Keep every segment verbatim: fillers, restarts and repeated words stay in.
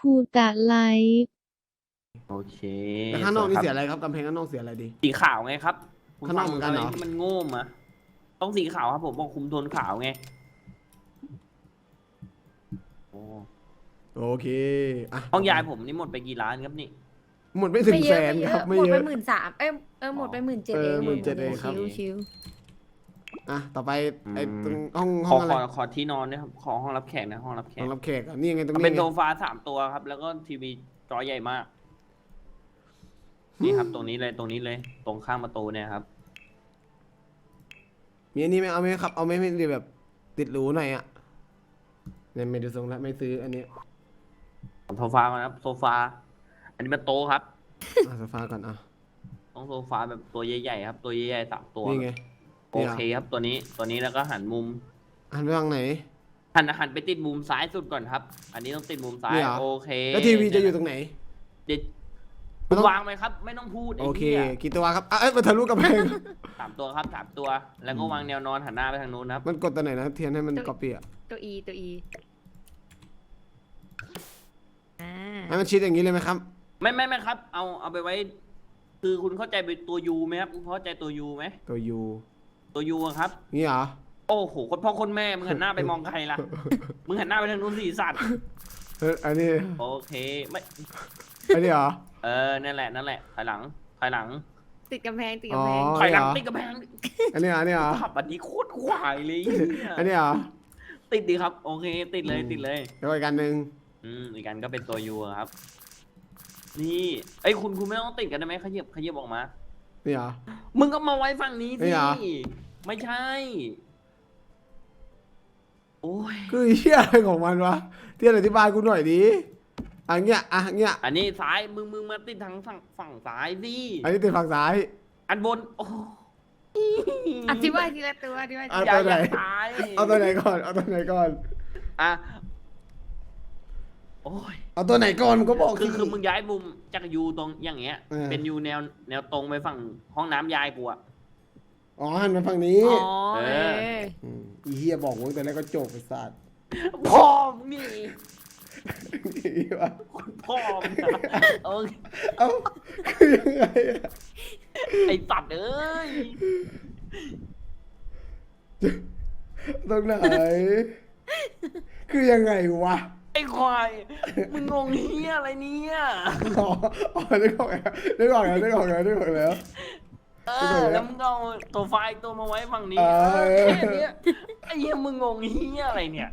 ภูตะไลฟ์โอเคแต่ข้างนอกนี่เสียอะไรครับกำแพงข้างนอกเสียอะไรดีสีขาวไงครับคุณข้างนอกเหมือนกันเหรอฟังะไที่มันโง่มาต้องสีขาวครับผมบอกคุมโทนขาวไงโอ้โอเคอ่ะห้องยายผมนี่หมดไปกี่ล้านครับนี่หมดไม่ถึงไม่เยแสอะนไม่เยครับอะไม่หมดเยไปอะหมื่นสามเอ้ยเออหมดไปหมื่นเจ็ดเอเออง หมื่นเจ็ดเองครับชิวชิวอ่ะต่อไปไอ้ตรงอืมห้องขห้อองอะไรขอขอที่นอนด้วยครับขอห้องรับแขกนะห้องรับแขห้อก งรับแขกอ่ะนี่ไงตรงมันนี้เป็นไงโซฟาสามตัวครับ แล้วก็ทีวีจอใหญ่มาก นี่ครับ ตรงนี้เลยตรงนี้เลย ตรงข้างประตูเนี่ยครับมีอันนี้ไหมเอาไหมครับเอาไหมไม่ได้แบบติดหรูหน่อยอ่ะเนี่ยไม่ดูทรงแล้วไม่ซื้ออันนี้โซฟามาครับโซฟา อันนี้เป็นโต๊ะครับอ่ะโซฟาก่อนอ่ะต้องโซฟาแบบตัวใหญ่ๆครับ ตัวใหญ่ๆสามตัวนี่ไงโอเคครับตัวนี้ตัวนี้แล้วก็หันมุมหันไปทางไหนหันหันไปติดมุมซ้ายสุดก่อนครับ อันนี้ต้องติดมุมซ้ายนี่เหรอโอเคแล้วทีวีจะอยู่ตรงไหนเด็ดไม่ต้องวางไหมครับ ไม่ต้องพูดโอไอ้เคเหี้ยกี่ตัวครับอ่ะเอ้ยมาทะลุกำแพงสามตัวครับสามตัว แล้วก็วางแนวนอนหันหน้าไปทางนู้นครับมันกดตัวไหนนะเทียนให้มันก๊อปปี้อ่ะตัวอีตัวอีอ่าให้มันชิดอย่างนี้เลยไหมครับไม่ไม่ไม่ครับ เอาเอาไปไว้ คือคุณเข้าใจเป็นตัวยูไหมครับคุณเข้าใจตัวยูไหมตัวยูตัวยูอะครับนี่เหรอโอ้โหคนพ่อคนแม่มึงหันหน้าไปมองใครล่ะ มึงหันหน้าไปทางนู้นสิสัตว์เอออันนี้โอเคไม่อันนี้เหรอเออนั่นแหละนั่นแหละถอยหลังถอยหลังติดกำแพงติดอ๋อกำแพงถอยหลังเหรอติดกระแพงอันนี้เหรออันนี้เหรอขับอันนี้โคตรควายเลยเหี้ยอันนี้เหรอติดดีครับ โอเค ติดเลยติดเลยแล้วอีกอันหนึ่งอืมอีกอันก็เป็นตัวยูครับ นี่ไอ้ยคุณคุณไม่ต้องติดกันได้ไหมขยับขยับออกมานี่เหรอมึงก็มาไว้ฝั่งนี้ไม่สิเหรอไม่ใช่ โอ้ยคือเหี้ยอะไรของมันวะเทียนอธิบายกูหน่อยดิอันเงี้ยอ่ะเงี้ยอันนี้ซ้ายมึงมึงมาติดทางฝั่งฝั่งซ้ายสิอันนี้ติดฝั่งซ้ายอันบนโอ้อธิบายทีละตัวอธิบายทีเอาละอย่าตัวไหนอย่าตายเอาตัวไหนก่อน เอาตัวไหนก่อนอ่ะโอ้ยเอาตัวไหนก่อนมึงก็บอกคือสิคือมึงย้ายมุมจากยูตรงอย่างเงี้ยเออเป็นยูแนวแนวตรงไปฝั่งห้องน้ำยายกูอะอ๋อหันมาฝั่งนี้อ๋อเอเอออมอีเฮียบอกมึงแต่แรกก็จบไปสัตว์พ่อมึงนี่อีวะพ่อมึงอะเออเอ้าคือยังไงอะไอ้สัตว์เอ้ยตรงไหน คือยังไงวะไอ้ควายมึงงงเฮียอะไรเนี่ยอ๋ออ๋อได้ก่อนแล้วได้ก่อนแล้วได้ก่อนแล้วได้ก่อนแล้วเออแล้วมึงเอาตัวไฟล์ตัวมาไว้ฝั่งนี้เออเออแค่เนี้ยไอ้เหี้ยมึงงงเฮียอะไรเนี่ย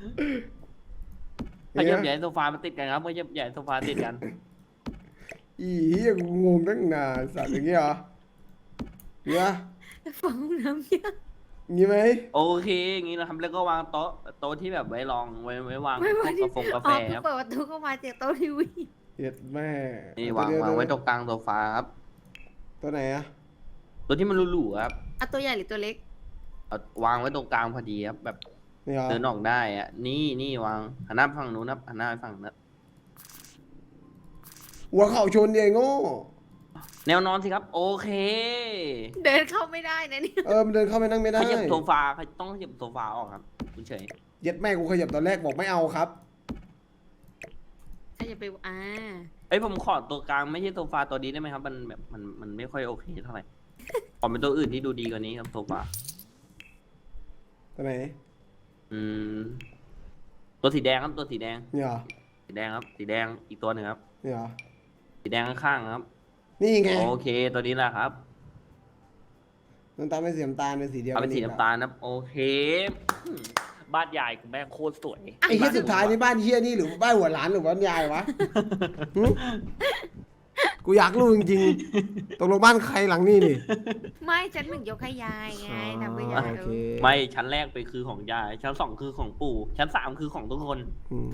ขยับใหญ่โซฟามาติดกันครับขยับใหญ่โซฟาติดกันอีเฮียกูงงตั้งนานสัตว์อย่างเงี้ยเหรอเนี่ยฟังน้ำเยอะงี้ไหมโอเคอย่างงี้นะครับแล้วก็วางโต๊ะโต๊ะที่แบบไว้รองไว้ไว้วางพไม่วกไม่กาแฟกาแฟอ๋อครับเปิดประตูเข้ามาเจอโต๊ะทีวีเฮ็ดแม่นี่วางวางไว้ตรงกลางโซฟาครับตัวไหนอะตัวที่มันหรูๆครับอ่ะตัวใหญ่หรือตัวเล็กเอาวางไว้ตรงกลางพอดีครับแบบนี่เหรอเดินออกได้อะนี่นี่วางหันหน้าไปฝั่งนู้นครับหันหน้าไปฝั่งนั้นหัวเข่าชนเองโง่แนวนอนสิครับ โอเคเดินเข้าไม่ได้นะเนี่ยเออมันเดินเข้าไปนั่งไม่ได้ขยับโซฟาต้องขยับโซฟาออกครับคุณเฉยเย็ดแม่กูขยับตอนแรกบอกไม่เอาครับถ้าจะไปอ่าเอ้ยผมขอตัวกลางไม่ใช่โซฟาตัวนี้ได้ไหมครับ มันแบบมันมันไม่ค่อยโอเคเท่าไหร่ขอเป็นตัวอื่นที่ดูดีกว่านี้ครับโซฟาตัวไหนอืม ตัวสีแดงครับตัวสีแดงนี่เหรอสีแดงครับ สีแดงอีกตัวหนึ่งครับนี่เหรอสีแดงข้างๆครับนี่ไงโอเค ตัวนี้แหละครับน้ำตาลเป็นสีน้ำตาลเป็นสีเดียวเอาเป็นสีอีกน้ำตาลนะครับโอเคอืมบ้านใหญ่กูแม่งโคตรสวยไอ้เฮียสุดท้ายนี่บ้านเฮียนี่หรือบ้านหัวหลานหรือบ้านยายวะหึกูอยากรู้จริงๆตกลงบ้านใครหลังนี่นี่ไม่ชั้นหนึ่งยกให้ยายไงทำเพื่อยายโอเคไม่ชั้นแรกไปคือของยาย ชั้นสองคือของปู่ ชั้นสามคือของทุกคนอืม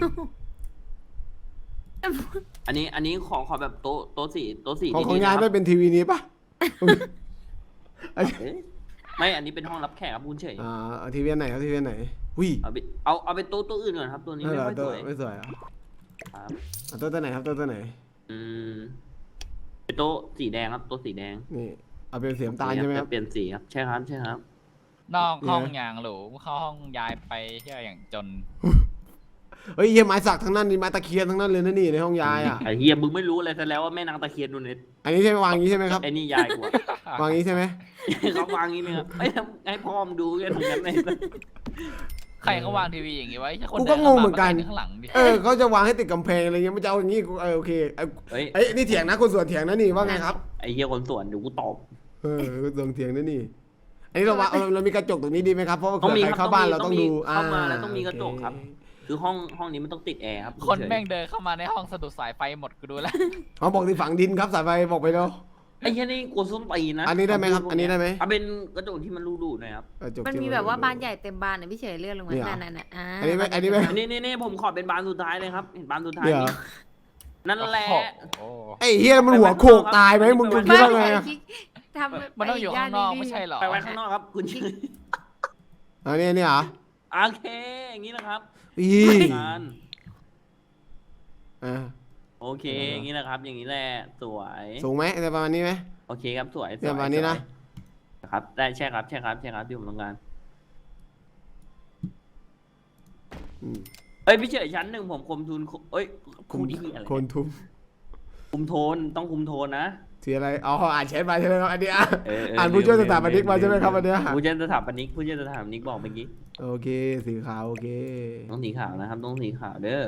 อันนี้อันนี้ของขอแบบโต๊ะโต๊ะสีโต๊ะสีของของดีๆยายนะคไม่รับเป็นทีวีนี้ปะเอ๊ะไม่อันนี้เป็นห้องรับแขกครับคุณเฉยอ่าเอาทีวีอันไหนเอาทีวีอันไหนหุ้ยเอาไปเอาเอาไปโต๊ะตัวอื่นก่อนครับ ตัวนี้เอไม่อค่อยตัสววยไม่สวยเหรอ่ะครับเอาตัวตัวไหนครับตัวตัวไหนอืมเป็นโต๊ะสีแดงครับโต๊ะสีแดงนี่เอาเป็นสีน้ำตาลใช่ไหมครับเปลี่ยนสีครับใช่ครับใช่ครับนอกห้องอย่างหรูเข้าห้องย้ายไปเที่ยวอย่างจนเฮ้ยเฮียไม้สักทั้งนั้นนี่ไม้ตะเคียนทั้งนั้นเลยนะนี่ในห้องยายอ่ะไอ้เฮียมึงไม่รู้อะไรซะแล้วว่าแม่นางตะเคียนดูเน็ตอันนี้ใช่ไหมวางอย่างนี้ใช่ไหมครับไอ้นี่ยายกูอะวางอย่างนี้ใช่ไหมเขาวางอย่างนี้เนี่ยไอ้ทำให้พ่อมงดูกันตรงนั้นเลยใครเขาวางทีวีอย่างงี้ไว้คนกูก็งงเหมือนกันข้างหลังดิเออเขาจะวางให้ติดกำแพงอะไรเงี้ยมันจะเอาอย่างนี้กูเออโอเคเอ้ยเฮ้ยเอ้ยนี่เถียงนะคนสวนเถียงนะนี่ว่าไงครับไอ้เฮียคนสวนเดี๋ยวกูตอบเออคนสวนเถียงนะนี่อันนี้เราวางเราเรามีกระจกตรงนี้ดีไหมครับเพราะว่าต้องมีใครครับเข้าบ้านเราต้ต้ออง งมีดูเข้ามาแล้วต้องมีกระจกโอเครับ คือห้องห้องนี้มันต้องติดแอร์ครับคนแม่งเดินเข้ามาในห้องสะดุดสายไฟหมดกูดูแล้วเขาบอกที่ฝังดินครับสายไฟบอกไปแล้วไอ้เฮียนี่กูส้นตีนนะอันนี้ได้ไหมครับอันนี้ได้ไหมเอาเป็นกระจกที่มันรูๆหน่อยครับกระจกมันที่มีแบบว่าบ้านใหญ่เต็มบ้านนะพี่เฉยเลื่อนลงมาเนี่ยนั่นน่ะอ่าอันนี้ไหมอันนี้ไหมนี่นี่นี่ผมขอเป็นบานสุดท้ายเลยครับเห็นบานสุดท้ายเดี๋ยวนี่นั่นแหละโอ้โหไอ้เฮียมันหัวโขกตายไหมมึงมึงคิดบ้านว่าไงใหญ่อะคิดทำมันต้องอยู่ข้างนอกไม่ใช่เหรอไปไว้ข้างนอกครับคุณชื่ออันนี้นี่เหรอโอเคอย่างนี้นะครับอีงานอ่าโอเคอย่างนี้นะครับ อย่างนี้แหละสวยสูงไหมแต่ประมาณนี้ไหมโอเคครับสวยสเนี่ยวยประมาณนี้นะสวยครับได้ใช่ครับใช่ครับใช่ครับที่ผมต้องการอืมเอ้ยพี่เฉยชั้นหนึ่งผมคุมทุนเอ้ยคุมที่อะไรโคนทุมคุมโทนต้องคุมโทนนะสีอะไรอ๋ออ่านแชทมาใช่ไหมครับอันนี้อ่ะเออเอออ่านผู้ช่วยลืสถาปนิกมาใช่ไหมครับลือันเนี้ยผู้ช่วยสถาปนิกผู้ช่วยสถาปนิกบอกเมื่อกี้โอเคสีขาวโอเคต้องสีขาวนะครับต้องสีขาวเด้อ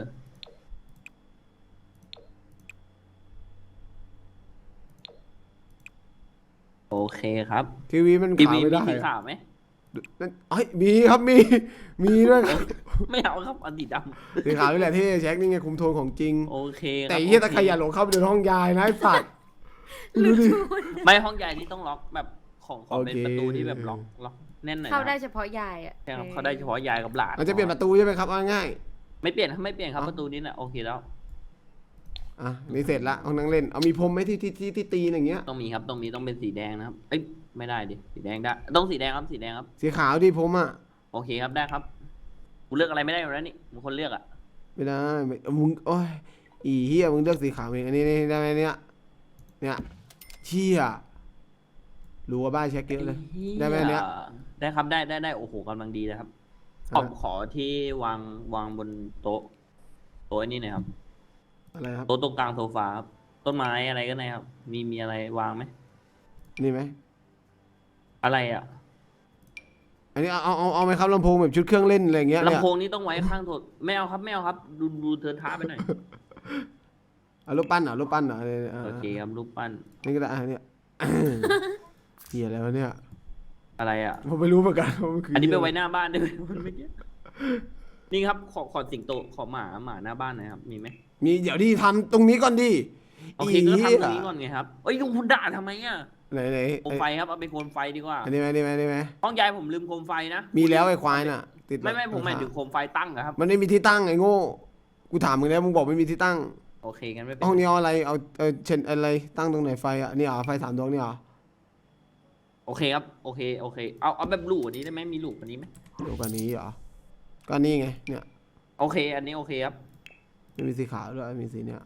โอเคครับทีวีมันทีขาววีไม่มีได้สีอะขาวไหมนั่นเอ้ยมีครับมีมีด้วยครับไม่เอาครับเอาสีดสีขาวนี่แหละที่เช็คนี่ไงคุมโทนของจริงำโอเคครับแต่ไอ้เหี้ยโอตะเคขยะหลงเข้าไปในห้องยายนะไอ้สัตว์ดูดิไม่ห้องใหญ่นี่ต้องล็อกแบบของของเป็นโอเคประตูที่แบบล็อกล็อกแน่นหน่อยเข้านะได้เฉพาะยายอ่ะใช่ครับเข้าได้เฉพาะยายกับหลานมันจะเปลี่ยนประตูใช่ไหมครับเอาง่ายไม่เปลี่ยนครับไม่เปลี่ยนครับเอ้าประตูนี้แหละโอเคแล้วๆอ่ะนี่เสร็จละห้องนั่งเล่นเอามีพรมไหมที่ที่ที่ที่ตีนอย่างเงี้ยต้องมีครับต้องมีต้องเป็นสีแดงนะครับเอ้ยไม่ได้ดิสีแดงได้ต้องสีแดงครับสีแดงครับสีขาวที่ผมอ่ะโอเคครับได้ครับกูเลือกอะไรไม่ได้อยู่แล้วนี่มึงคนเลือกอ่ะไม่ได้ไม่มึงโอ้ยอีเหี้ยมึงเลือกสีขาวเองอันนี้นี่ได้ไหมเนี่ยเนี่ยเชี่ยรู้ว่าบ้านเช็คเยอะเลย ได้ไหมเนี่ยได้ครับได้ได้ได้โอ้โหกำลังดีนะครับขออ่ะขอที่วางวางบนโต๊ะโต๊ะไอ้นี่หน่อยครับอะไรครับโต๊ะตรงกลางโซฟาครับต้นไม้อะไรก็ได้ครับ มีมีอะไรวางไหมนี่ไหมอะไรอ่ะอันนี้เอาเอาเอาเอาไหมครับลำโพงแบบชุดเครื่องเล่นอะไรอย่างเงี้ยเนี่ยลำโพงนี่ต้องไว้ข้างโถไม่เอาครับไม่เอาครับ ดูดูเธอท้าไปหน่อยเอารูปปั้นเหรอรูปปั้นเหรอเนี่ยอ่าโอเคครับรูปปั้นนี่ก็ได้อ่ะเนี่ย เหี้ยอะไรวะเนี่ยอะไรอ่ะผมไม่รู้เหมือนกันว่ามัคือันนี้ไปไว้หน้าบ้านได้ไหมมันไม่เกี่ยวนี่ครับขอขอสิงโตขอหมาหมาหน้าบ้านหน่อยครับมีไหมมีเดี๋ยวดิทำตรงนี้ก่อนดิโอเคก็ทำตรงนี้ก่อนไงครับเอ้ยคุณด่าทำไมอ่ะไหนไหนโคมไฟครับเอาไปโคมไฟดีกว่าอันนี้ไหมอันนี้ไหมอันนี้ไหมห้องยายผมลืมโคมไฟนะมีแล้วไอ้ควายน่ะ ติดไม่ไม่ผมหมายถึงโคมไฟตั้งอะครับมันไม่มีที่ตั้งไอ้โง่กูถามมึงแล้วมึงบอกไม่มีที่ตั้งโอเคกันไม่เป็นห้องนี้เอาอะไรเอาเอาเช่นอะไรตั้งตรงไหนไฟอ่ะนี่เหรอไฟสามดวงนี่เหรอโอเคครับโอเคโอเคเอาเอาแบบหลูกว่านี้ได้ไหมมีหลูกกว่านี้ไหมเดี๋ยวกันนี้เหรอก็นี่ไงเนี่ยโอเค อันนี้โอเคครับไม่มีสีขาวด้วยมีสีเนี่ย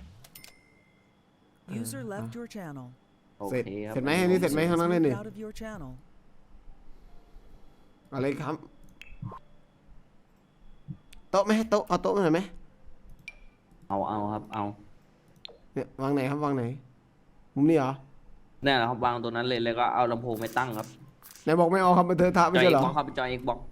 User left your channel. โอเสร็จเคครับเสร็จไหมอันนี้เสร็จไหม User ข้าง was นั้นเลย moved นี่ out of your channel. อะไรครับโต๊ะไหมโต๊ะเอาโต๊ะมาหน่อยไหมเอาเอาครับเอาเนี่ยวางไหนครับวางไหนมุมนี้เหรอเนี่ยแหละครับวางตัวนั้นเลยแล้วก็เอาลำโพงไปตั้งครับไหนบอกไม่เอาครับมันเธอทะไม่จอยใช่เอ็เหรกอบ็อกครับจอยเอ็กบ็อก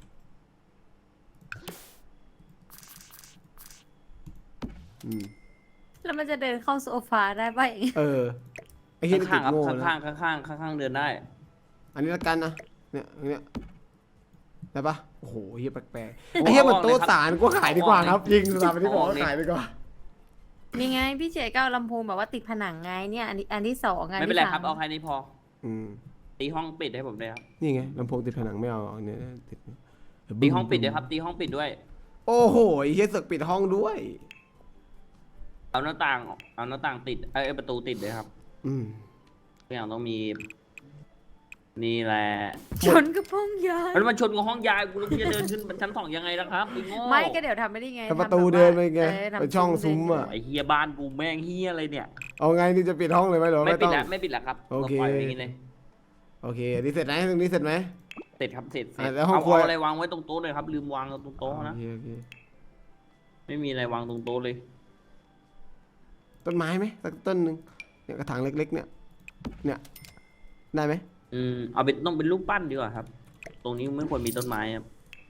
อืมแล้วมันจะเดินเข้าโซฟาได้ป่ะอย่างเงี้ยเออไอ้เหี้ยนี่ติข้าดงๆครับโง่ข้างนะข้างข้างข้างข้างข้างๆเดินได้อันนี้ละกันนะเนี่ยอันเนี้ยได้ปะโอ้โหเฮียแปลกๆไอ้เฮียมันโต๊ะสารก็ขายดีกว่าครับยิงสถาปนิกบอกว่าขายดีกว่านี่ไงพี่เฉยก็เอาลำโพงแบบว่าติดผนังไงเนี่ยอันนี้อันที่สองอันไม่เป็นที่ไรสาครับมเอาแค่นี้พออืมตีห้องปิดให้ผมด้วยครับนี่ไงลำโพงติดผนังไม่เอาอันเนี้ยติดตีห้องปิดด้วยครับ ตีห้องปิดด้วยโอ้โหไอ้เฮียเสึกปิดห้องด้วยเอาหน้าต่างเอาหน้าต่างติดเอ้ยประตูติดเลยครับอืมทุกอย่างต้องมี นี่แหละชนกระพ้องยายมันมาชนกับห้องยายกูแล้วพี่จะเดินขึ้นชั้นสองยังไงล่ะครับไอ้โง่ไม่ก็เดี๋ยวทำไม่ได้ไงถ้าประทำตูแบบว่าเดินไปไงเออทำไปช่องซุ้มอ่ะไอ้เฮียบ้านกูแม่งเฮียอะไรเนี่ยเอาไงนี่จะปิดห้องเลยไหมหรือว่าไม่ไม่ปิต้ดองแล้วไม่ปิดแล้วครับโอเคราปล่อยไว้อย่างนี้เลยโอเคอันนี้เสร็จไหมตรงนี้เสร็จไหมเสร็จครับเสร็จเสร็จอ่ะแล้วห้องเอาครัวเอาอะไรวางไว้ตรงโต๊ะเลยครับ ลืมวางตรงโต๊ะนะโอเคโอเคไม่มีอะไรวางตรงโต๊ะเลยต้นไม้ไหมสักต้นหนึ่งเนี่ยกระถางเล็ก ๆ เนี่ย เนี่ยได้ไหมอืมเอาเป็นต้องเป็นรูปปั้นดีกว่าครับ ตรงนี้ไม่ควรมีต้นไม้ครับ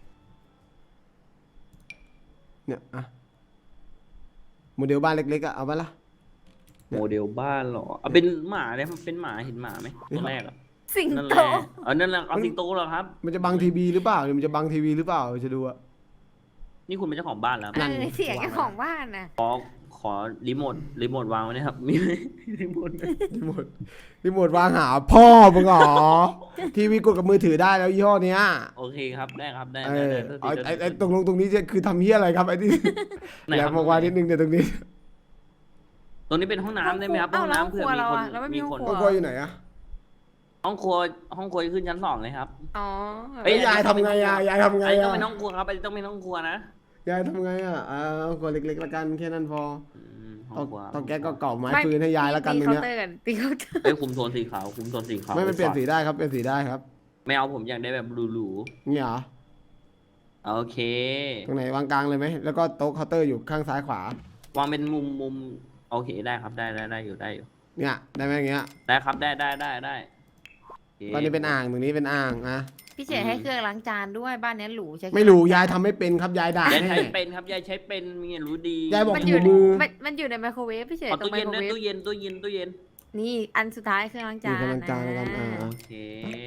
เนี่ยอ่ะโมเดลบ้านเล็กๆอะเอาปะล่ะโมเดลบ้านเหรอเอาเป็นหมาเลยมันเป็นหมาเห็นหมาไหมตัวแรกอะสิงนั่นแหโตละเออนั่นแหละเอาสิงโตเหรอครับมันจะบังทีวีหรือเปล่าหรือมันจะบังทีวีหรือเปล่าจะดูอะนี่คุณเป็นเจ้าของบ้านแล้วนั่เอน อเสียงเจ้าของบ้านน่ะขอขอรีโมทรีโมทวางไว้นะครับ มีไหมรีโมทรีโมทรีโมทวางหาพ่อมึงเหรอ ทีวีกดกับมือถือได้แล้วยี่ห้อเนี้ยโอเคครับได้ครับได้เอได้อได้เอาได้ไอ้ไอ้ตรงลงตรงนี้จะคือทำเฮียอะไรครับไอ้ที่ไหนแหลครัมบบอกว่านิดนึงเดี๋ยวตรงนี้ตรงนี้เป็นห้องน้ำได้ไหมครับอ้าห้วองแล้วน้ำเผื่อห้องครัวมีเราคนอะเราไม่มีมีห้องคนครัห้องครัวอยู่ไหนอะห้องครัวห้องครัวขึ้นชั้นสองเลยครับอ๋อเอ้เอ้ยยายทำไงอะยายทำไงอันนี้ต้ออะงเป็นห้องครัวครับอันนี้ต้องเป็นห้องครัวนะยายทำไงอะอ่าห้องครัวเล็กๆละกันแค่นั้นพออืมห้ตอองครัวตองแก๊สก็เก่าไม้ไม่ฟืนให้ยายละกันตรงตีเนี้ยเคาน์เตอร์กันตีเคาน์เตอร์เอ้ยคุมโทนสีขาวคุมโทนสีขาวไม่ไม่เปลี่ยนสีว้ก่อได้ครับเปลี่ยนสีได้ครับไม่เอาผมอยากได้แบบหรูเนี่ยเหรอๆโอเคตรงไหนวางกลางเลยไหมแล้วก็โต๊ะเคาน์เตอร์อยู่ข้างซ้ายขวาวางเป็นมุมมุมโอเคได้ครับได้ได้ได้อยู่ได้อยู่เนี่ยได้ไหมอย่างเงี้ยได้ครับได้ได้ได้ได้โคตอนนี้เป็นอ่างตรงนี้เป็นอ่างอะพี่เฉยให้เครื่องล้างจานด้วยบ้านเนี้ยหรูใช่ไม่รู้ยายทำไม่เป็นครับยายด่ายายแน่ใช้เป็นครับยายใช้เป็นมีรู้ดียายบอกมันถูอยู่มือมันมันอยู่ในไมโครเวฟพี่เฉยเอาตรงตู้ไมเย็นโครนะเวฟตู้เย็นตู้เย็นตู้เย็นนี่อันสุดท้ายเครื่องล้างมีจานกำลังจานแล้วกันอ่าโอเค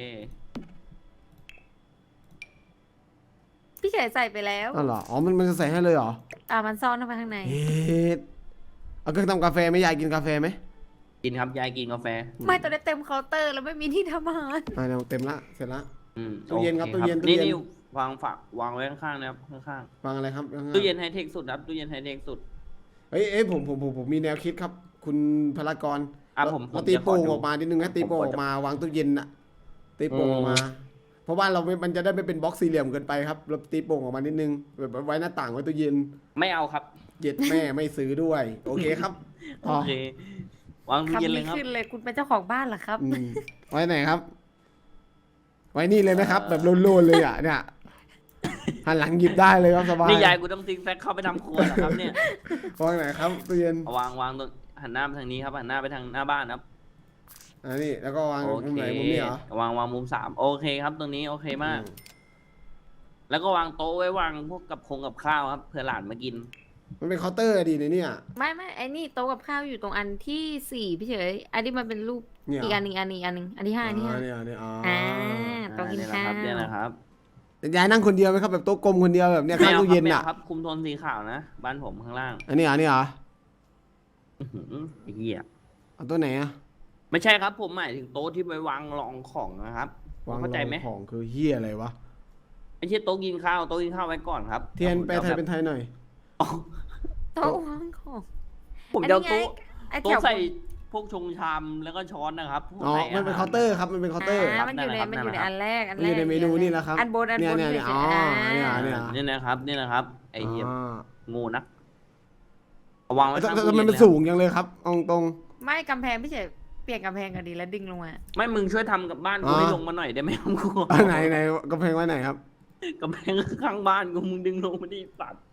พี่เฉยใส่ไปแล้วอ๋อเหรออ๋อมันมันจะใส่ให้เลยเหรออ่ามันซ่อนเข้าไปข้างในเฮ็ดเอาเครื่องทำกาแฟไหมยายกินกาแฟไหมกินครับยายกินกาแฟไม่ตอนนี้เต็มเคาน์เตอร์แล้วไม่มีที่ทำอาหารอ่าเดี๋ยวเต็มละเสร็จละอืมตู้เย็นครับโอตู้เย็นตู้นี่เย็นนี่วางฝากวางไว้ข้างๆนะครับข้างวางอะไรครับๆตู้เย็นไฮเทคสุดครับตู้เย็นไฮเทคสุดเอ้ยเอ้ยผมผมผมผมมีแนวคิดครับ คุณพลากรอ่ะผมผมเราตีจะขอโป่งดูออกมานิดนึงนะตีโป่งผมขอออกมาวางตู้เย็นน่ะตีโป่งอืมออกมา เพราะว่าเราไม่มันจะได้ไม่เป็นบล็อกสี่เหลี่ยมเกินไปครับเราตีโป่งออกมานิดนึงแบบไว้หน้าต่างไว้ตู้เย็นไม่เอาครับเย็ดแม่ไม่ซื้อด้วย โอเคครับโอเควางตู้คำเย็นเลนี้ยครับขึ้นเลยคุณเป็นเจ้าของบ้านเหรอครับอืมไว้ไหนครับ ไว้นี่เลยไหมครับ แบบโลนๆเลยอ่ะเนี่ยหันหลังหยิบได้เลยครับสบายนี่ยายกูต้องซิกแซกเข้าไปทำครัวเหรอครับเนี่ยวางไหนครับตู้เย็นเอาวางวางตรงหันหน้าไปทางนี้ครับหันหน้าไปทางหน้าบ้านครับอันนี้แล้วก็วางโอมุมเคไหนมุมนี้เหรอวางวางมุมสามโอเคครับตรงนี้โอเคมากอืแล้วก็วางโต๊ะไว้วางพวกกับคงกับข้าวครับเผื่อหลานมากินมันเป็นเคาน์เตอร์ดีในเนี่ยไม่ไม่ไอ้นี่โต๊ะกับข้าวอยู่ตรงอันที่สี่พี่เฉยอันที่มันเป็นรูปเนี่ยอีกอันหนึ่งอันหนึ่งอันหนึ่งอันที่ห้าอันที่ห้าเนี่ยเนี่ยอ๋อออ่าโต๊ะกินเนี่ยนะข้าคว รับเนี่ยนะครับแต่ยายนั่งคนเดียวไหมครับแบบโต๊ะกลมคนเดียวแบบเนี้ยข้างตู้เย็นไม่อ่ะอาครับคุมโทนสีขาวนะบ้านผมข้างล่างอันนี้เหรออันนี้เหรออื้อหือไอ้เหี้ยเอาตัวไหนอ่ะไม่ใช่ครับผมหมายถึงโต๊ะที่ไปวางรองของนะครับวางเข้าใจไหมรองของคือเฮียอะไรวะไม่ใช่โต๊ะกินข้าวโต๊ะกินข้าวไว้ก่อนครับเทียนไปไทยเป็นไทยหน่อยอ๋อโต๊ะวางของผมจะเอาโต๊ะไอ้แถโต๊ะวใส่พวกชงชามแล้วก็ช้อนนะครับพวกอ๋อใส่มันเป็นหเคาน์เตอร์ครับมันเป็นเคาน์เตอร์อ่ามันอยู่ในครับมันอยู่ในนั่นแหละอันแรกอันมันแรอก ยู่ในเมนูนี่แหละครับอันบนอันเนี่ยบนเนี่ยเนี่ยอ๋อฉยๆเนี่ยอ่าเนี่ยนี่นะครับนี่นะครับไอ้เหี้ยอ๋อโงูนักเอาวางไว้แต่ข้างแต่ตู้แต่มันเย็เป็นเลยสูงยังเลยครับเอาตรงไม่กำแพงพี่เฉยเปลี่ยนกำแพงกันดีแล้วดึงลงมาไม่มึงช่วยทำกับบ้านกูอ๋อให้ลงมาหน่อยได้ไหมครับกูอ่ะไหนไหนกำแพงไว้ไหนครับกำแพงข้างบ้านกูมึงดึงลงมาดิสัตว์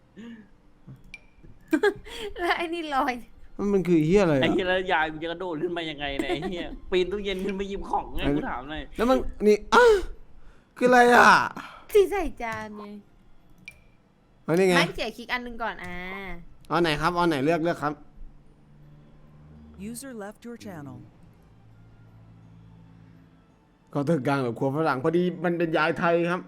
แล้วไอ้นี่ลอยมันมันคือเฮียอะไรไอ้อ่ะเหี้ยแล้วยายกูจะกระโดดขึ้นมายังไงเนี่ยไอ้เหี้ยปีนตู้เย็นขึ้นมาหยิบของไงกูถามหน่อยแล้วมันนี่อ่ะคืออะไรอ่ะที่ใส่จานไงอันนี้ไงไม่เฉยคลิกอันหนึงก่อนอ่าเอาไหนครับเอาไหนเลือกเลือกครับ User left your channel. ก็เติร์กลางแบบครัวฝรั่งพอดีมันเป็นยายไทยครับ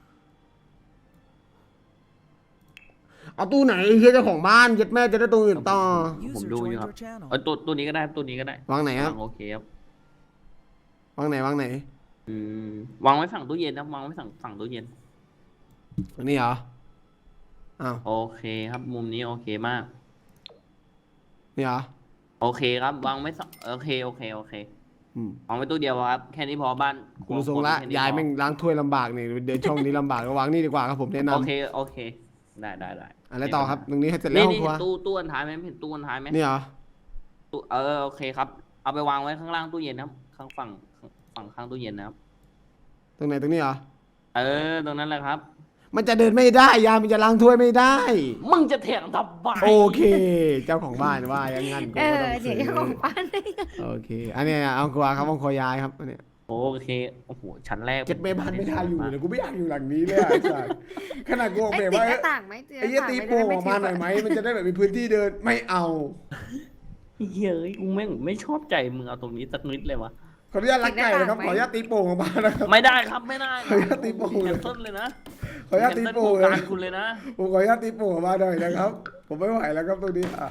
เอาตู้ไหนเฮียเจ้าของบ้านเย็ดแม่จะได้ตัวอื่นต่อผม User ดูอยู่ joined ครับ your channel. เออตัวตัวนี้ก็ได้ตัวนี้ก็ได้วางไหนครับวางโอเคครับวางไหนวางไหนอืมวางไว้ฝั่งตู้เย็นนะวางไว้ฝั่งฝั่งตู้เย็นอันนี้เหรออ้าวโอเคครับ มุมนี้โอเคมากนี่เหรอโอเคครับ วางไว้สองโอเคโอเคโอเคอืมวางไว้ตู้เดียวครับ แค่นี้พอบ้านคุณทรงละแค่นี้ยายพอแม่งล้างถ้วยลำบากนี่เดินช่องนี้ลำบากก็วางนี่ดีกว่าครับผมแนะนำโอเคโอเค ได้ได้ได้อะไรต่อครับตรงนี้ให้เสร็จแล้นี่วห้องนี่ครัวเห็นตู้ตู้อันท้ายไหมเห็นตู้อันท้ายไหมนี่เหรอตู้เออโอเคครับ เอาไปวางไว้ข้างล่างตู้เย็นนะครับข้างฝั่งฝั่งข้างตู้เย็นนะครับตรงไหนตรงนี้เหรอเออตรงนั้นแหละครับมันจะเดินไม่ได้ยามันจะล้างถ้วยไม่ได้มึงจะเถียงทำไมโอเค เจ้าของบ้านว่าอย่างงั้นกูเอก็อต้องเดี๋ซื้ยวอเจ้าของบ้านได้โอเค อันเนี้ยเอากลัวครับเอาคอยายครับอันเนี้ยโอเคโอ้โหชั้นแรกเจ็ดเมบ้านไม่ได้อยู่เลยกูไม่อยากอยู่หลังนี้เลยอ่ะไอ้สัสขนาดกูออกไอ้แบบติดว่าหน้าต่างไหมติดหไอ้น้าเหี้ยต่างตีไม่โป่งอได้อกมาหน่อยไหมมันจะได้แบบมีพื้นที่เดินไม่เอาเย้ยกูแม่งไม่ชอบใจมึงเอาตรงนี้สักนิดเลยวะขออนุญาตรักไก่นะครับขออนุญาตตีโป่งออกมานะครับไม่ได้ครับไม่ได้ขออนุญาตตีโป่งแคเลยนเซิลเลยนะขออนุญาตตีแคนเซิลโป่งโครงเลยการคุณเลยนะผมขออนุญาตตีโป่งออกมาหน่อยนะครับ ผมไม่ไหวแล้วครับตรงนี้อ่ะ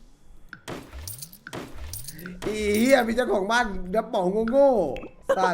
อีเหี้ยมีเจ้าของบ้านดับป๋องโง่ๆสัตว์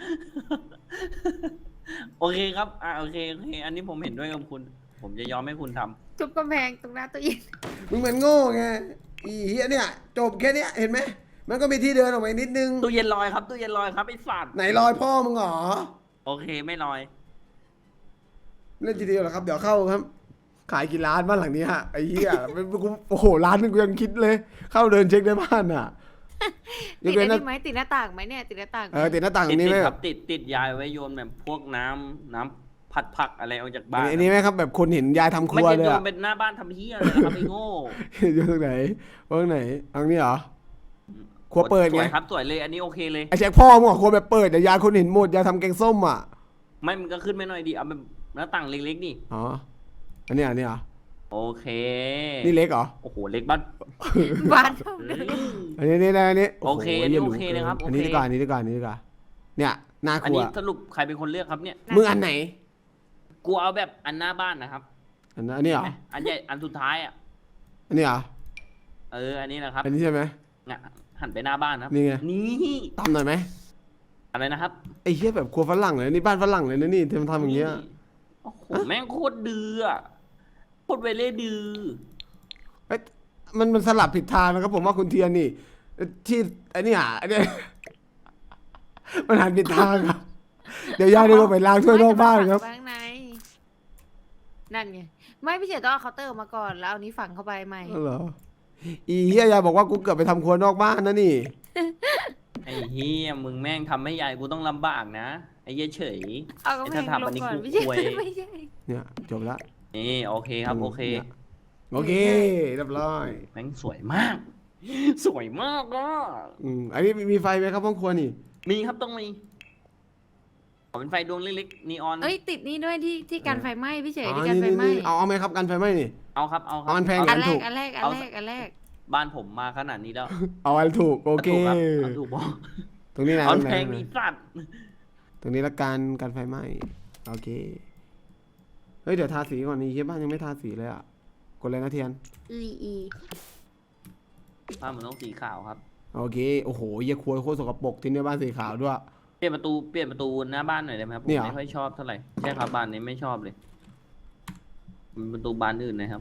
โอเคครับอ่าโอเคโอเค อันนี้ผมเห็นด้วยกับคุณ ผมจะยอมให้คุณทำทุบกำแพงตรงหน้าตู้เย็นมึงมันโง่ไงอีเหี้ยเนี่ยจบแค่เนี้ยเห็นไหมมันก็มีที่เดินออกมาอีกนิดนึงตู้เย็นลอยครับตู้เย็นลอยครับไอ้สัตว์ไหนรอยพ่อมึงเหรอโอเคไม่ลอยเล่นทีเดียวเหรอครับ เดี๋ยวเข้าครับ ขายกี่ล้านบ้านหลังนี้ฮะไอ้เหี้ยเป็นกูโอ้โหล้านนึงกูยังคิดเลย เข้าเดินเช็คในบ้านอ่ะยติกดเว้ไอ้นนะนี่ไหมติดหน้าต่างไหมเนี่ยติดหน้าต่างไหมเออติดหน้าต่างตติรดงนี้ติไหมดคครัรับบ ติดติดยายไว้โยนแบบพวกน้ำน้ำผัดผักอะไรออกจากบ้านอันนี้ไหมครับแบบคนเห็นยายทำคไม่รัวใช่เลยโยอะนเป็นหน้าบ้านทำเฮียเลยนะครับไอ้โง่อยู่ตรงไหนตรงไหนตรงนี้เหรอ ครัวเปิดสไงวยครับสวยเลยอันนี้โอเคเลยไอ้แจ็คพ่อมึงบอกครัวแบบเปิดแต่ยายคนเห็นหมดยายทำแกงส้มอ่ะไม่มันก็ขึ้นไม่หน่อยดีเอาแบบหน้าต่างเล็กๆนี่อ๋ออันนี้อันนี้เหรอโอเคนี่เล็กเหรอโอ้โหเล็กบ้านบ้านเท่าเฮ้เดิยมอันนี้นี่นะอันนี้โอเคอันนี้โอเคหนะครับอันนี้โอเคดีกว่าอันนี้ดีกว่าอันนี้ดีกว่าเนี่ยหน้าคอันรัวนี้สรุปใครเป็นคนเลือกครับเนี่ยมึงอันไหนกูเอาแบบอันหน้าบ้านนะครับอันนั้นอันนี้เหรออันใหญ่อันสุดท้ายอ่ะอันนี้เหรอเอออันนี้นะครับอันนี้ใช่ไหมงะหันไปหน้าบ้านนะครับนี่ไงนี่ตามหน่อยไหมอะไรนะครับไอ้เหี้ยแบบครัวฝรั่งเลยนี่บ้านฝรั่งเลยนะนี่ทำทำอย่างเงี้ยโอ้โหแม่งโคตรดื้ออะโคตรเวเล่ดื้อเอ้ยมันมันสลับผิดทางนะครับผมว่าคุณเทียนนี่ที่ไอ้นี่อ่ะไอ้เนี่ยมันหันผิดทางครับ เดี๋ยวยายเดินไปล้างถ้วยนอกบ้านครับข้างในนั่นไงไม่พี่เฉยต้องเอาเคาน์เตอร์ออกมาก่อนแล้วเอานี้ฝังเข้าไปใหม่อ๋อเหรออีเฮียยายบอกว่ากูเกือบไปทำครัวนอกบ้านนะนี่ไอ้เฮียมึงแม่งทำให้ยายกูต้องลำบากนะไอ้เหี้ยเฉยเอากำแพงไอ้ถ้าทำลอังนนี้ก่อนกูไม่ใช่อวยไม่ใช่เนี่ยจบละนี่โอเคครับโอเคนี่ยโอเคเรียบร้อยแม่งสวยมาก สวยมากอ่ะอืมอันนี้มีมีไฟไหมครับห้องครัวนี่มีครับต้องมีขอเป็นไฟดวงเล็กๆนีออนเอ้ยติดนี่ด้วยที่ที่การไฟไหม้พี่เฉยอ๋อที่การนี่ไฟนี่ไหม้นี่เอาเอาไหมครับกันไฟไหมนี่เอาครับเอาครัเอาอันแพงอันแรถูกกอันแรกอันแรกอันแรกบ้านผมมาขนาดนี้แล้วเอาอันถูกโอเคถูกครับเอาถูกบอกตรงนี้นะเอาตรงไหนแพงนี่สัตว์ตรงนี้ละกันกันไฟไหม้โอเคเฮ้ยเดี๋ยวทาสีก่อนนี่เฮียบ้านยังไม่ทาสีเลยอ่ะกดเลยนะเทียนอีอีบ้านมันต้องสีขาวครับโอเคโอ้โหเฮียครัวโคตรสกปรกที่นี่บ้านสีขาวด้วยเปลี่ยนประตูเปลี่ยนประตูหน้าบ้านหน่อยได้ไหมครับผมเนี่ยเหรอไม่ค่อยชอบเท่าไหร่ใช่ครับบ้านนี้ไม่ชอบเลยมันประตูบานอื่นนะครับ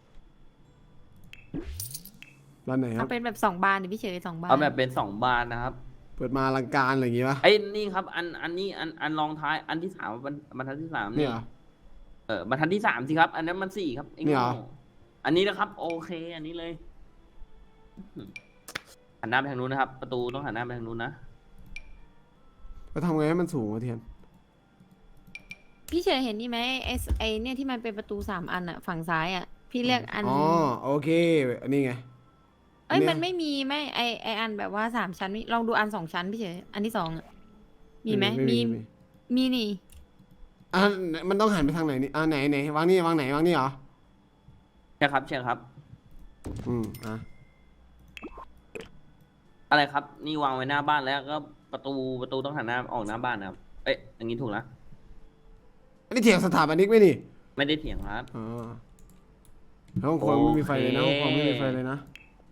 บ้านไหนคเอารับเป็นแบบสองบานดิพี่เฉยสองบานเอาแบบเป็นสองบานนะครับเปิดมาอลังการอะไรอย่างงี้ปะไอ้นี่ครับ อันอันนี้อันอันรองท้ายอันที่สามบรรบรรทัดที่สามเนี่ยเหรอเออบรรทัดที่สามสิครับ อันนั้นมันสี่ครับไอ้เนี่ยเหรอโง่อันนี้นะครับ โอเค อันนี้เลยหันหน้าไปทางนู้นนะครับ ประตูต้องหันหน้าไปทางนู้นนะแล้วทำไงให้มันสูงวะเทียนพี่เฉยเห็นนี่ไหมไอไอเนี่ยที่มันเป็นประตูสามอันอะฝั่งซ้ายอะพี่เรียกอันอ๋อโอเคอันนี้ไงเอ้ยเนี่ยมันไม่มีไหมไอไออันแบบว่าสามชั้นมีลองดูอันสองชั้นพี่เฉยอันที่สองอะมีไหมมีมีนี่อ่ะมันต้องหันไปทางไหนนี่อ่าไหนไหนวางนี่วางไหนวางนี่เหรอใช่ครับใช่ครับอืมอ่ะอะไรครับ นี่วางไว้หน้าบ้านแล้วก็ประตูประตูต้องหันหน้าออกหน้าบ้านนะครับ เอ๊ะอย่างนี้ถูกนะอันนี้เถียงสถาปนิกไหมนี่ไม่ได้เถียงครับอ๋อห้องครัวไม่มีไฟเลยนะห้องครัวไม่มีไฟเลยนะ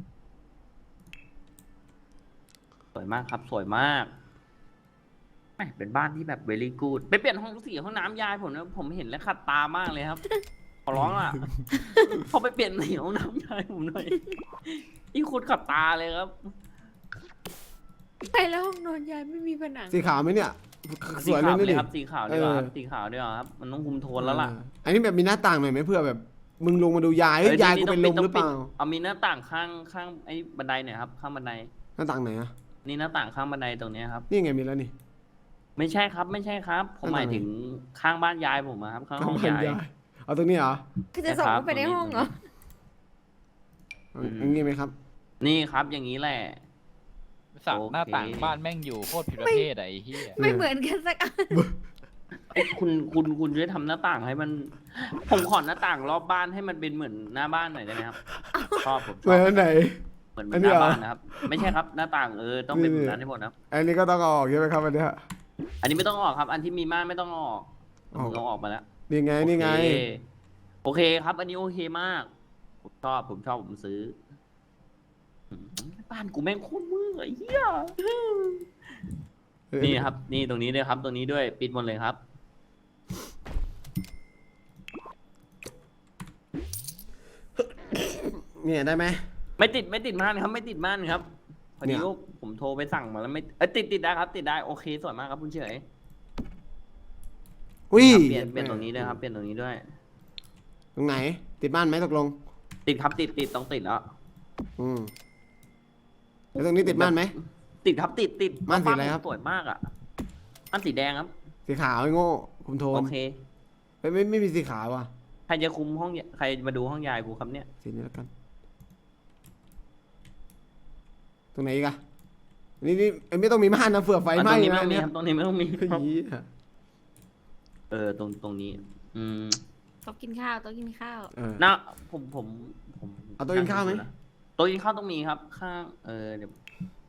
สวยมากครับ สวยมากแหม่เป็นบ้านที่แบบ very good ไปเปลี่ยนห้องสีห้องน้ำยายผมนะผมเห็นแล้วขัดตามากเลยครับ ขอร้องอ่ะ เขาไปเปลี่ยนสีห้องน้ำยายผมหน่อยอีโคตรขัดตาเลยครับไปแล้วห้องนอนยายไม่มีผนังสีขาวไหมเนี่ยสสีวยเลขาย วนะเลยนี่ครับสีขาวดีกว่าครับเออสีขาวดีกว่าครับมันต้องคุมโทนแล้วล่ะเอออันนี้แบบมีหน้าต่างหน่อยไหมเพื่อแบบ มึงลงมาดูยายเฮ้ยเอ้ยายกูต้เป็งนลมต้งหรือเปล่าเอามีหน้าต่างข้างข้างไอ้บันไดหน่อยครับข้างบันไดหน้าต่างไหนอะนี่หน้าต่างข้างบันไดตรงเนี้ยครับนี่ไงมีแล้วนี่ไม่ใช่ครับ ไม่ใช่ครับ ผมหมายถึงข้างบ้านยายผมอะครับ ข้างห้องยายเอาตรงนี้เหรอคือจะส่งนะครับเข้าไปในห้องเหรออืมอย่างงี้ไหมครับนี่ครับอย่างนี้แหละสักโอเคหน้าต่างบ้านแม่งอยู่โคตรผิดประเภทอะไอ้เหี้ยไม่เหมือนกันสักอันเอ้ยคุณคุณคุณช่วยทำหน้าต่างให้มัน ผมขอหน้าต่างรอบบ้านให้มันเป็นเหมือนหน้าบ้านหน่อยได้ไหมครับ ชอบผมชเหมืออบ นไหนเหมือนเหมือัอน นนี้หน้าเหรอบ้านนะครับ ไม่ใช่ครับหน้าต่างเออต้องเป็นแบบนั้นให้หมดนะครับอันนี้ก็ต้องเอาออกใช่ไหมครับอันเนี้ยอันนี้ไม่ต้องออกครับ อันที่มีม่านไม่ต้องออกออกผมเอาออกมาแล้วนี่ไงนี่ไงโอเคโอเคครับ อันนี้โอเคมาก ผมชอบผมชอบผมซื้ออืมบ้านกูแม่งโคตรมือไอ้เหี้ยนี่ครับ นี่ตรงนี้ด้วยครับ ตรงนี้ด้วยปิดหมดเลยครับเนี่ยได้ไหมไม่ติดไม่ติดม่านครับ ไม่ติดม่านครับพอเนี่ดียลูกผมโทรไปสั่งมาแล้วไม่เอยติดติดได้ครับ ติดได้โอเคสวยมากครับคุณเฉยอุ้ยครับเปลี่ยนเปลี่ยนตรงนี้ด้วยครับเปลี่ยนตรงนี้ด้วยตรงไหน ติดบ้านไหมตกลงติดครับติดติดต้องติดแล้วอืมแล้วตรงนี้ติดบ้านไหมติดครับติดติดม่านสีอะไรครับสวยมากอ่ะม่านสีแดงครับสีขาวไอ้โง่ผมโทนโอเคไม่ไม่ไม่มีสีขาวว่ะใครจะคุมห้องยใครมาดูห้องยายกูครับเนี่ยสีนี้แล้วกัน ตรงไหนอีกอะนี่นี่เอ้ยไม่ต้องมีม่านนะเผื่อไฟอ่ะไหตรม้งนี้ไม่นะต้องมีเนี่ยครับตรงนี้ไม่ต้องมีเฮ้ยเออตรงตรงนี้ อืมโต๊ะกินข้าวโต๊ะกินข้าวเออนะผมผมผมเอาโต๊ะกินข้าวไหมโต๊ะกินข้าวต้องมีครับ ข้าง เออเดี๋ยว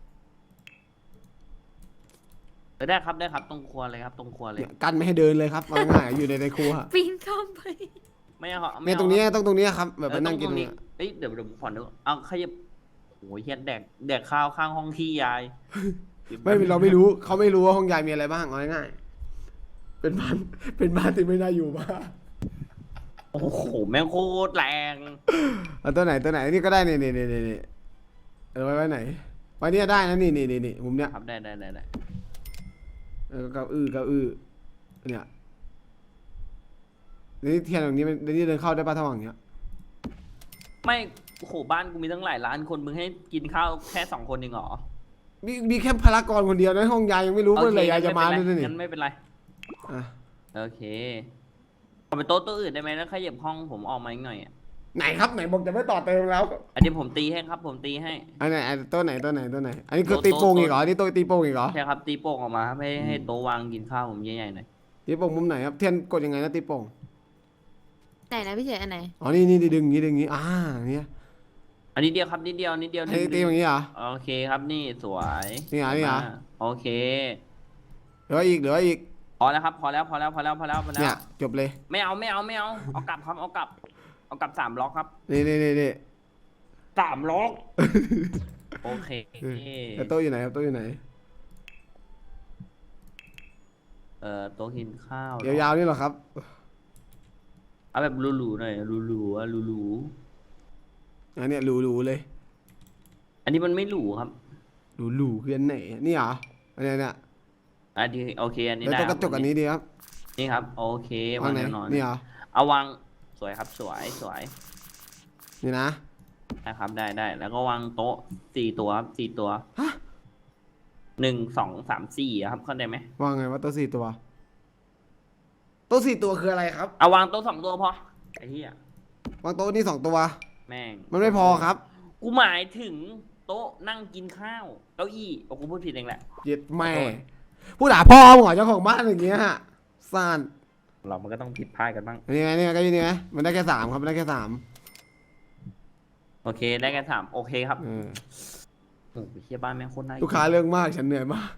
เออได้ครับได้ครับ ตรงครัวเลยครับ ตรงครัวเลยเนี่ยกันไม่ให้เดินเลยครับเอาง่ายๆอยู่ในในครัวปีนเข้าไปไม่เอาครับไม่เนี่ยอาตรงนี้ต้องตรงนี้ครับ แบบเอไปอนั่งตกินรงเนี่นี้ยเอ้ยเดี๋ยวเดี๋ยวผมขอนึกเอาขยับโอ้ยเฮียแดกแดกข้าวข้างห้องที่ยายไม่เราไม่รู้เขาไม่รู้ว่าห้องยายมีอะไรบ้างเอาง่ายๆเป็นบ้านเป็นบ้านที่ไม่น่าอยู่มากโอ้โหแม่งโคตรแรงเอาตัวไหนตัวไหนนี่ก็ได้นี่นี่นี่นี่นี่เออไว้ไว้ไหนไว้เนี่ยได้นะนี่นี่นี่นี่มุมเนี้ยครับได้ได้ได้ได้เออเก้าอื้อเก้าอื้อเนี่ยนี่เทียนตรงนี้มันนี่เดินเข้าได้ป่ะถ้าว่างเงี้ยไม่โอ้โหบ้านกูมีตั้งหลายล้านคนมึงให้กินข้าวแค่สองคนเองเหรอมีมีแค่พลากรคนเดียวนะห้องยายยังไม่รู้เมื่อไหร่ยายจะมาด้วยนี่งั้นไม่เป็นไรอ่ะโอเคขอไปโต๊ะตัวอื่นได้ไหมแล้วขยับห้องผมออกมาอีกหน่อยอ่ะไหนครับไหนบอกจะไม่ต่อเติมแล้วอันนี้ผมตีให้ครับ ผมตีให้อันไหนอันตัวไหนตัวไหนตัวไหน อันนี้คือโต๊ะตีโป่งโต๊ะอีกเหรออันนี่ตัวตีโป่งอีกเหรอใช่ครับ ตีโป่งออกมาครับให้ให้โต๊ะวางกินข้าวผมใหญ่ๆหน่อยตีโป่งมุมไหนครับเทียนกดยังไงนะตีโป่งไหนนะพี่เฉยอันไหนอ๋อนี่นี่ดึงอย่างงี้ดึงอย่างงี้อ่าเนี่ยอันนี้เดียวครับนิดเดียวนิดเดียวอันนี้ตีอย่างงี้เหรอโอเคครับนี่สวยนี่เหรอนี่เหรอมาโอเคเหลืออีกเหลืออีกพอแล้วครับพอแล้วพอแล้วพอแล้วพอแล้วพอแล้เนี่ยว จบเลยไม่เอาไม่เอาไม่เอาเอากลับครับเอากลับเอากลับสามล็อกครับนี่นี่นี่นี่สามล็อกโอเคแล้วโต๊ะอยู่ไหนครับโต๊ะอยู่ไหนเอ่อโต๊ะกินข้าวยาวๆนี่เหรอครับเอาแบบหรูๆหน่อยหรูๆอะหรูอันเนี้ยหรูๆเลยๆอันนี้มันไม่หรูครับหรูๆคืออันไหนนี่เหรออันเนี้ยเนี่ยอันนี้โอเคอันนี้แล้วได้ตัวกระจกอันนี้ดีครับนี่ครับ โอเควางไหนแน่นอนนี่เหรอเอาวางสวยครับสวยสวยนี่นะนะครับได้ได้แล้วก็วางโต๊ะสี่ตัวครับสี่ตัวฮะหนึ่งสองสามสี่อะครับเข้าใจไหมว่าไงว่าโต๊ะสี่ตัวโต๊ะสี่ตัวคืออะไรครับเอาวางโต๊ะสองตัวพอไอ้เหี้ยวางโต๊ะนี่สองตัวแม่งมันไม่พอครับกูหมายถึงโต๊ะนั่งกินข้าวเก้าอี้โอ้กูพูดผิดเองแหละเย็ดแม่ขอโทษผู้ด่าพ่อมึงเหรอเจ้าของบ้านอย่างเงี้ยซ่านเรามันก็ต้องผิดพลาดกันบ้างนี่ไงนี่ไงก็นี่ไงมันได้แค่สามครับมันได้แค่สามโอเคได้กันสามโอเคครับเออโอ้โหเฮียบ้านแม่งโคตรน่าลูกค้าเรื่องมากฉันเหนื่อยมาก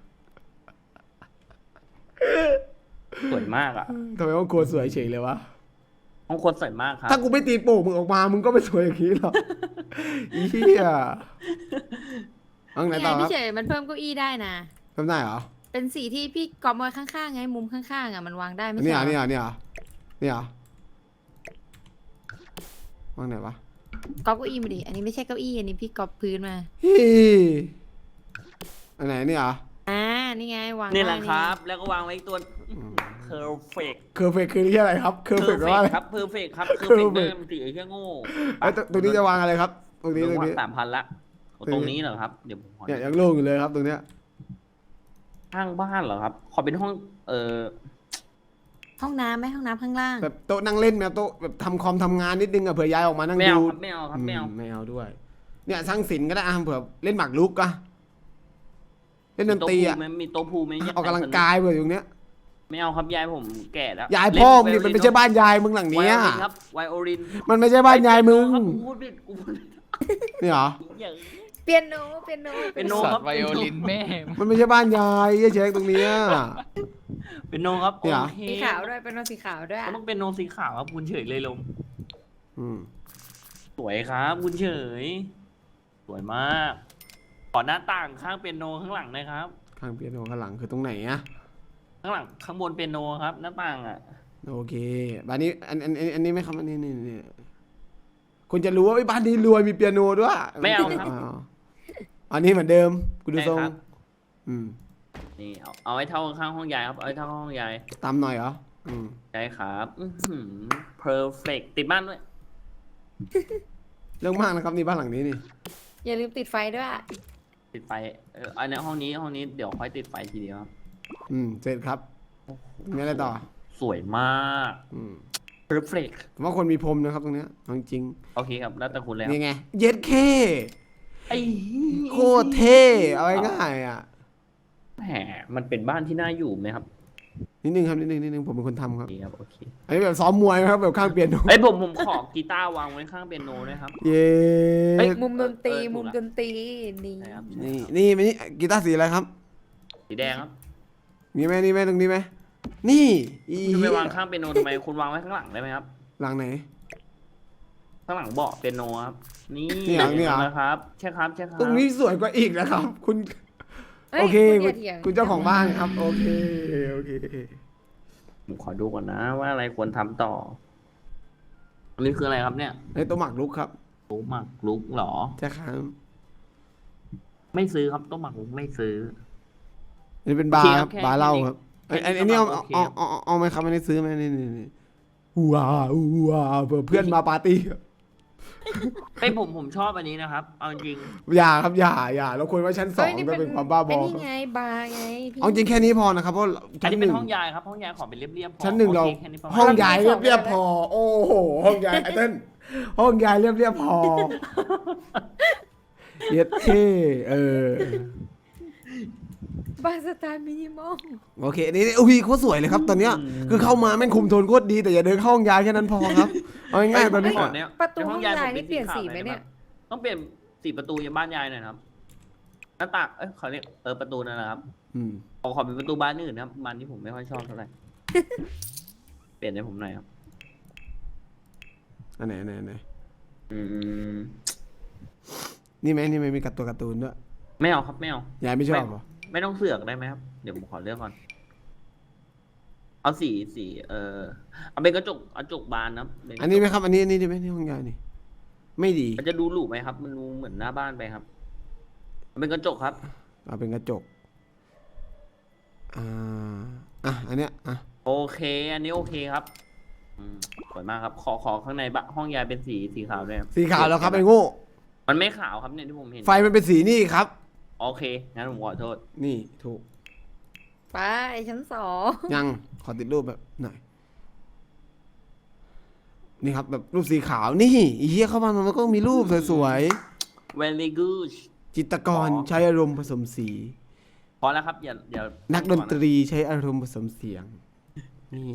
สวยมากอ่ะทำไมห้องครัวสวยเฉยเลยวะห้องคนสวยมากครับถ้ากูไม่ตีโป่งมึงออกมามึงก็ไม่สวยอย่างนี้หรอกอีเหี้ยห้องไหนนี่ไงต่อครัพี่บเฉยมันเพิ่มเก้าอี้ได้นะทำได้เหรอเป็นสีที่พี่กอบไว้ข้างๆไงมุมข้างๆอ่ะมันวางได้ไม่นี่ใช่เหรเหอรนี่อเหรอนี่เหรอนี่เหรอห้องไหนวะกอบเก้าอี้มาดิอันนี้ไม่ใช่เก้าอี้อันนี้พี่กอบพื้นมาฮีอันไหนนี่เหรออ่านี่ไงวางนี่แหละได้ครับ แล้วก็วางไว้อีกตัว perfect เคอร์เฟกคือที่อะไรครับเคอร์เฟก perfect ว่าอะไรครับ perfect ครับ perfect perfect เดิมสีไอ้เหี้ยโง่ไอ้ยตรงตรงนี้จะวางอะไรครับ ตรงนี้ตรงนี้สามพันละโอ้ตรงนี้ตรงนี้เหรอครับเดี๋ยวผมขอเนี่ยยังโล่งอยู่เลยครับตรงเนี้ยข้างบ้านเหรอครับ ขอเป็นห้อง เอ่อห้องน้ำไหมห้องน้ำข้างล่างแบบโต๊ะนั่งเล่นไหมโต๊ะแบบทำคอมทำงานนิดนึงอะเผื่อย้ายออกมานั่งไม่ดูเอาครับไม่เอาครับไม่เอาอืไม่เอาด้วย เนี่ยสร้างศิลป์ก็ได้อะเผื่อเล่นหมากรุกอะเล่นดนตรีอะมีโต๊ะพูลไหมมีโต๊ะพูลไหมออกกำลังกายเผื่ออยู่เนี้ยไม่เอาครับยายผมแก่แล้วยายพ่อมึงเล่นี่มันไม่ใช่บ้านยายมึงหลังไวเนี้ยโอลินครับไวโอลินมันไม่ใช่บ้านยายมึงครับกูพูดผิดกูพูดผิดนี่เหรออย่าเปียโนเปียโนเป็นโนสัครัตบว์ไวโอลินแม่งมันไม่ใช่บ้านยายไอ้เช็คตรงเนี้ยเป็นโนครับเนี่ยเหรอโอเคสีขาวด้วยเป็นโนสีขาวด้วยก็ต้องเป็นโนสีขาวครับคุณเฉยเลยลมอืมสวยครับคุณเฉย สวยมาก ขอหน้าต่างข้างเป็นโนข้างหลังหนะครับข้างเปียโนข้างหลังคือตรงไหนอะข้างหลังข้างบนเป็นโนครับ หน้าต่างอ่ะโอเคบ้านนี้อันอันอันอันนี้ไหมครับอันนี้นี่นี่คุณจะรู้ว่าไอ้บ้านนี้รวยมีเปียโนด้วยไม่เอาครับวอันนี้เหมือนเดิมกูดูทรงใช่ครับอืมนี่เอาเอาไว้เท่าข้างห้องยายครับเอาไว้เท่าห้องยายตามหน่อยเหรออืมใช่ครับอือหือ perfect ติดบ้านด้วยเรื่องมากนะครับนี่บ้านหลังนี้นี่อย่าลืมติดไฟด้วยติดไฟเอออันนี้ห้องนี้ห้องนี้เดี๋ยวค่อยติดไฟทีเดียวครับอืมเสร็จครับงั้นอะไรต่อสวยมากอืม perfect ผมว่าคนมีพรมนะครับตรงเนี้ยเอาจริงโอเคครับ แล้วแต่คุณเลยๆครับนี่ไงเย็ดเคไอ้โคตรเท่เอาง่ายๆอ่ะแหมมันเป็นบ้านที่น่าอยู่ไหมครับนิดนึงครับนิดนึงนิดนึงผมเป็นคนทำครับโอเคครับโอเคอันนี้แบบซ้อมมวยนะครับแบบข้างเปียโนไอ้ยผมผมขอกีตาร์วางไว้ข้างเปียโนด้วยครับเย้เฮ้ยมุมดนตรีเออถูกละมุมดนตรีนี่ใช่ครับนี่นี่มันนี่กีตาร์สีอะไรครับสีแดงครับมีไหมนี่ไหมตรงนี้ไหมนี่อีคุณจะไปวางข้างเปียโนทำไมคุณวางไว้ข้างหลังได้ไหมครับหลังไหนข้างหลังเบาะเปียโนครับ นี่นี่เหรอนี่เหรอนะครับใช่ครับใช่ครับตรงนี้สวยกว่าอีกนะครับ คุณฮ้ยโอเคณคุย่าณถียงคุณเจ้าของบ้านครับ โอเคโอเคผมขอดูก่อนนะ ว่าอะไรควรทำต่ออันนี้คืออะไรครับเนี่ยไอ้ตัวหมักลุกครับโต๊ะหมักลุกเหรอใช่ครับไม่ซื้อครับโต๊ะหมักลุกไม่ซื้ออันนี้เป็นบาร์ครับโอเคครับบาร์เหล้าครับแค่ไอ้นี้ไอ้นี่เอาก็โอเคเอาเอาเอาเอาไหมครับอันนี้ซื้อไหมนี่นี่นี่ว้าวว้าวเผื่อเพื่อนมาปาร์ตี้เฮ้ยผมผมชอบอันนี้นะครับ เอาจริงอย่าครับอย่าอย่าเราควรไว้ชั้นสองเฮ้ยนี่ก็เป็นความบ้าบอไอ้คนี่รับไงบาร์ไงพี่เอาจริงแค่นี้พอนะครับเพราะอันชั้นนี้หเป็นนึ่งห้องยายครับ ห้องยายขอเป็นเรียบๆพอชั้นหนึ่งเราโอคแค่นี้ประมาณห้องยายเรียบเรียบๆพอ โอ้โหห้องยายไอ้เต้นห้องยายเรียบเรียบๆพอเย็ดเท่เออบาร์สไตล์มินิมอลโอเคนี่นี่อุ้ยโคตรสวยเลยครับ ตอนเนี้ยคือเข้ามาแม่งคุมโทนโคตรดีแต่อย่าเดินเข้าห้องยายแค่นั้นพอครับเอาง่ายๆตอนนี้ขอเยประตูในห้องยยายผมนี่เปลี่ยนสีไหมขาวเนี่ยต้องเปลี่ยนสีประตูยังบ้านยายหน่อยนะครับหน้าต่างเอ้ยเขาเรียกเออประตูนั่นแหละครับอืมขอขอเป็นประตูบ้านอื่นนะครับบ้านที่ผมไม่ค่อยชอบเท่าไหร่ เปลี่ยนให้ผมหน่อยครับอันไหนอันไหนอันไหนอืมนี่ไหมนี่ไหมมีการ์ตัวการ์ตูนด้วยไม่เอาครับไม่เอายายไม่ชอบเหรอไม่ต้องเสือกได้ไหมครับ เดี๋ยวผมขอเลือกก่อน เอาสีสีเออเอาเป็นกระจกกระจกบานนะครับเป็กระจกอันนี้ไหมครับ อันนี้อันนี้ดีไหมนี่ห้องยายนี่ ไม่ดีมันจะดูหรูไหมครับ มันดูเหมือนหน้าบ้านไปครับเอาเป็นกระจกครับเอาเป็นกระจกอ่าอ่ะอันเนี้ยอ่ะโอเค อันนี้โอเคครับอืมสวยมากครับ ขอขอข้างในบ้านห้องยายเป็นสีสีขาวด้วยครับสีขาวแล้วครับไอ้โง่มันไม่ขาวครับเนี่ยที่ผมเห็นไฟมันเป็นสีนี่ครับโอเคงั้นผมขอโทษนี่ถูกไปชั้นสองยังขอติดรูปแบบหน่อยนี่ครับแบบรูปสีขาวนี่อีเหี้ยเข้ามามันก็มีรูปสวย very good ๆจิตรกรอ๋อใช้อารมณ์ผสมสีพอแล้วครับอย่าอย่านักดนตรีใช้อารมณ์ผสมเสียง นี่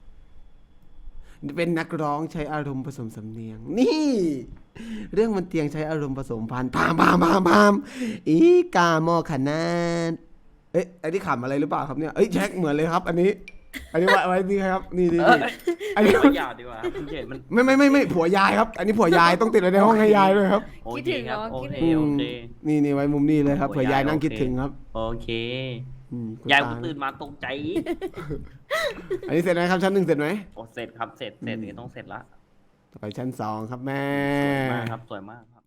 เป็นนักร้องใช้อารมณ์ผสมสำเนียง นี่ เรื่องมันเตียงใช้อารมณ์ผสมพันธุ์พามพามพามพามอีกาโมขนาดเอ๊ะอันนี้ขำอะไรหรือเปล่าครับเนี่ยเอ้ยแช็คเหมือนเลยครับ อันนี้ อันนี้ไว้ไว้นี่ครับ นี่นี่เอนี่ออันนี้เอายาวดีกว่าครับคุณเจตมันไม่ไม่ไม่ไม่ผัวยายครับ อันนี้ผัวยายต้องติดไว้ในห้องให้ยายด้วยครับโอเคครับโอเคอืโอมเคนี่นี่ไว้มุมนี้เลยครับผัเผื่วยายอยายนั่งโอเคคิดถึงครับโอเคอืมคุณยายตผมตื่นมาตกใจอันนี้เสร็จไหมครับชั้นหนึ่งเสร็จไหมโอ้เสร็จครับเสร็จเสร็จนี่ต้องเสร็จละต่อไปชั้นสองครับแม่สวยมากครับสวยมากครับ